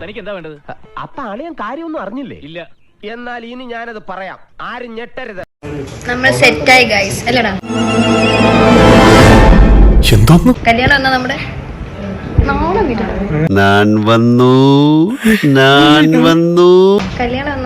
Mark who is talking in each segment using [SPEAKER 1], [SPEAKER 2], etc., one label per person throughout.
[SPEAKER 1] തനിക്ക് എന്താ വേണ്ടത്?
[SPEAKER 2] അപ്പൊ അളിയൻ കാര്യമൊന്നും അറിഞ്ഞില്ലേ?
[SPEAKER 1] ഇല്ല.
[SPEAKER 2] എന്നാൽ ഇനി ഞാനത് പറയാം, ആരും ഞെട്ടരുത്.
[SPEAKER 3] നമ്മൾ സെറ്റായി ഗൈസ് അല്ലടാ. കല്യാണം എന്നാ നമ്മുടെ നാളെ വീട്ടിൽ
[SPEAKER 4] ഞാൻ വന്നു
[SPEAKER 3] കല്യാണം എന്നാ?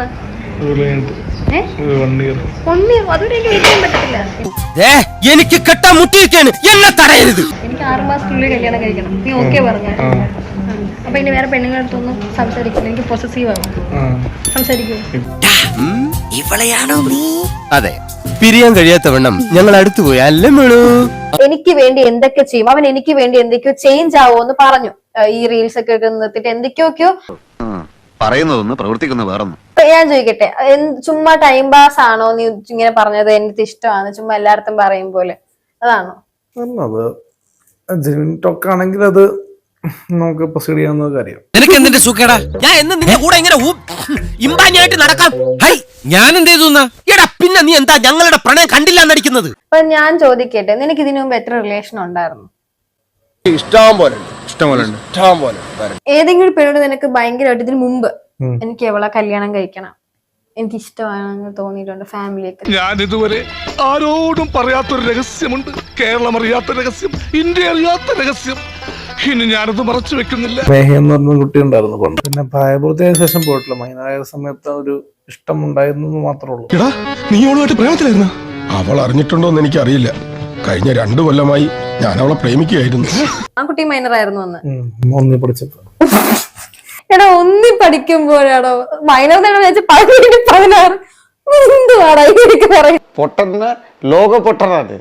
[SPEAKER 3] 1 year. അതുവരെ എനിക്ക് വെയിറ്റ് ചെയ്യാൻ പറ്റത്തില്ല.
[SPEAKER 2] എനിക്ക് കെട്ടാൻ മുട്ടിയിരിക്കാണ്, എന്നെ തടയരുത്.
[SPEAKER 3] എനിക്ക് 6 മാസത്തിനുള്ളിൽ കല്യാണം കഴിക്കണം. നീ ഓക്കെ പറഞ്ഞ? അപ്പൊ ഇനി വേറെ പെണ്ണുങ്ങളുടെ അടുത്തൊന്നും സംസാരിക്കില്ല. എനിക്ക് പൊസസീവ് ആവും. സംസാരിക്കൂ.
[SPEAKER 2] ഇവളെയാണോ നീ? അതെ, പിരിയാൻ കഴിയാത്തവണ്ണം ഞങ്ങൾ അടുത്തു പോയി അല്ലേ മേളൂ.
[SPEAKER 3] എനിക്ക് വേണ്ടി എന്തൊക്കെ ചെയ്യും അവൻ, എനിക്ക് വേണ്ടി എന്തൊക്കെയോ ചേഞ്ച് ആവോ എന്ന് പറഞ്ഞു. ഈ റീൽസ് ഒക്കെ നിർത്തിട്ട് എന്തൊക്കെയൊക്കെയോ
[SPEAKER 4] പറയുന്നതൊന്ന് പ്രവർത്തിക്കുന്ന വേറൊന്നും.
[SPEAKER 3] ഞാൻ ചോദിക്കട്ടെ, ചുമ്മാ ടൈം പാസ് ആണോ നീ ഇങ്ങനെ പറഞ്ഞത്? എനിക്ക് ഇഷ്ടമാണ് ചുമ്മാ എല്ലായിടത്തും പറയും പോലെ, അതാണോ?
[SPEAKER 5] ആണെങ്കിൽ അത് നമുക്ക് പ്രൊസീഡ് ചെയ്യാവുന്ന കാര്യം.
[SPEAKER 2] നിനക്ക് എന്തിന്റെ സുഖേടാ? ഞാൻ എന്ന് നിന്റെ കൂടെ ഇങ്ങനെ ഇമ്പാനിയായിട്ട് നടക്കാം. ഞാൻ എന്ത് ചെയ്തു? എടാ പിന്നെ നീ എന്താ ഞങ്ങളുടെ പ്രണയം കണ്ടില്ല എന്നടിക്കുന്നത്?
[SPEAKER 3] അപ്പൊ ഞാൻ ചോദിക്കട്ടെ, നിനക്ക് ഇതിനു മുമ്പ് എത്ര റിലേഷൻ ഉണ്ടായിരുന്നു?
[SPEAKER 5] ഇഷ്ടം പോലെ.
[SPEAKER 3] ഏതെങ്കിലും പെണ്ണോട് നിനക്ക് ഭയങ്കരമായിട്ട് ഇതിനു മുമ്പ് എനിക്ക് എവളെ കല്യാണം കഴിക്കണം, എനിക്ക് ഇഷ്ടമാണെന്ന് തോന്നിയിട്ടുണ്ട്? ഫാമിലിയൊക്കെ
[SPEAKER 6] ഞാൻ ഇതുവരെ ആരോടും പറയാത്തൊരു രഹസ്യമുണ്ട്. കേരളം അറിയാത്ത രഹസ്യം, ഇന്ത്യ അറിയാത്ത രഹസ്യം. ഇനി ഞാനത് മറച്ചു വെക്കുന്നില്ല.
[SPEAKER 5] മേഹ എന്ന് പറഞ്ഞ കുട്ടി ഉണ്ടായിരുന്നു പണ്ട്. പിന്നെ പ്രായപൂർത്തിയായ ശേഷം പോയിട്ടില്ല. മൈനായ സമയത്ത് ഒരു ഇഷ്ടം ഉണ്ടായിരുന്നു മാത്രമേ ഉള്ളൂ.
[SPEAKER 6] എടാ, നീ അവളുമായിട്ട് പ്രേമത്തിലായിരുന്ന? അവൾ അറിഞ്ഞിട്ടുണ്ടോന്ന് എനിക്ക് അറിയില്ല. കഴിഞ്ഞ 2 കൊല്ലമായി ഞാൻ അവളെ പ്രേമിക്കുകയായിരുന്നു.
[SPEAKER 3] ആ കുട്ടി മൈനറായിരുന്നു അന്ന്.
[SPEAKER 5] ഒന്നി പഠിച്ചപ്പോ.
[SPEAKER 3] എടാ ഒന്നി പഠിക്കുമ്പോഴാണോ മൈനർ? 16 എന്തുവാടാ എനിക്ക് പറയും?
[SPEAKER 4] പൊട്ടന്ന ലോക പൊട്ടനാണ്.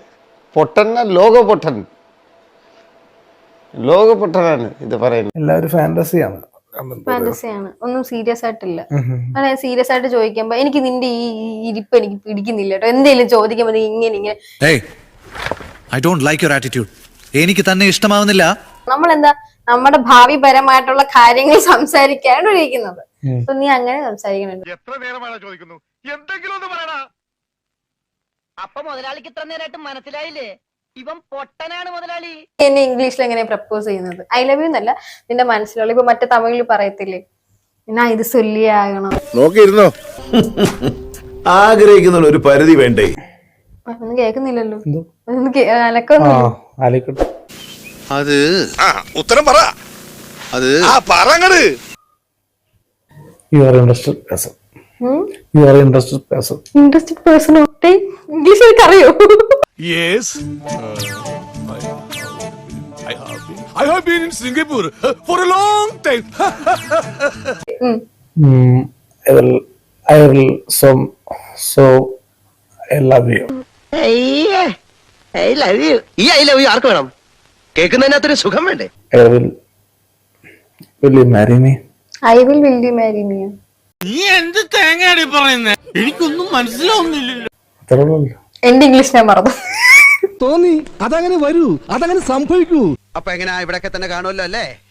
[SPEAKER 4] ഇത് പറയുന്നത്
[SPEAKER 5] എല്ലാവരും ഫാന്റസിയാണ്.
[SPEAKER 3] ഫാന്റസിയാണ്, ഒന്നും സീരിയസ് ആയിട്ടില്ല. അല്ലെ, സീരിയസ് ആയിട്ട് ചോദിക്കുമ്പോ എനിക്ക് നിന്റെ ഈ ഇരിപ്പ് എനിക്ക് പിടിക്കുന്നില്ല കേട്ടോ. എന്തെങ്കിലും ചോദിക്കുമ്പോ നീ ഇങ്ങനെ
[SPEAKER 7] I don't like your attitude. എനിക്ക് തന്നെ ഇഷ്ടമാവുന്നില്ല.
[SPEAKER 3] നമ്മളെന്താ നമ്മുടെ ഭാവിപരമായിട്ടുള്ള കാര്യങ്ങൾ സംസാരിക്കാണ് ഇരിക്കുന്നത്. അപ്പൊ നീ അങ്ങനെ സംസാരിക്കണുണ്ട്.
[SPEAKER 6] എത്ര നേരമാണ് ചോദിക്കുന്നു, എന്തെങ്കിലും ഒന്ന് പറയടാ.
[SPEAKER 8] അപ്പൊ മുതലാളിക്ക് ഇത്ര നേരമായിട്ട് മനസ്സിലായില്ലേ ഇവൻ പൊട്ടനാണ് മുതലാളി?
[SPEAKER 3] എന്നെ ഇംഗ്ലീഷിൽ എങ്ങനെ പ്രപ്പോസ് ചെയ്യുന്നത്? ഐ ലവ് യു എന്നല്ല, നിന്റെ മനസ്സിലുള്ള. ഇപ്പൊ മറ്റേ തമിഴിൽ പറയത്തില്ലേ, എന്നാ ഇത് ചൊല്ലിയാകണം.
[SPEAKER 9] നോക്കിയിരുന്നോ? ആഗ്രഹിക്കുന്ന ഒരു പരിധി വേണ്ടേ?
[SPEAKER 3] ഒന്നും കേൾക്കുന്നില്ലല്ലോ. അലക്കൊന്നും.
[SPEAKER 4] അത്
[SPEAKER 6] ഉത്തരം പറ.
[SPEAKER 4] അത്
[SPEAKER 6] പറങ്ങട്.
[SPEAKER 5] You are interested person.
[SPEAKER 3] Interested person ഒക്കെ ഇംഗ്ലീഷ് എനിക്ക് അറിയോ?
[SPEAKER 6] Yes. I have been in Singapore for a long time.
[SPEAKER 5] I will I love you.
[SPEAKER 2] I love you. ഈ ഐ ലവ് യു ആർക്ക് വേണം? കേൾക്കുന്നതിനകത്തൊരു സുഖം വേണ്ടേ?
[SPEAKER 5] Will you marry me?
[SPEAKER 3] I will you marry me?
[SPEAKER 1] നീ എന്ത് തേങ്ങയാടി പറയുന്നേ? എനിക്കൊന്നും മനസ്സിലാവുന്നില്ലല്ലോ.
[SPEAKER 3] എന്റെ ഇംഗ്ലീഷ് ഞാൻ മറന്നു.
[SPEAKER 9] തോന്നി അതങ്ങനെ വരൂ, അതങ്ങനെ സംഭവിക്കൂ.
[SPEAKER 4] അപ്പൊ എങ്ങനെയാ? ഇവിടൊക്കെ തന്നെ കാണുമല്ലോ അല്ലേ?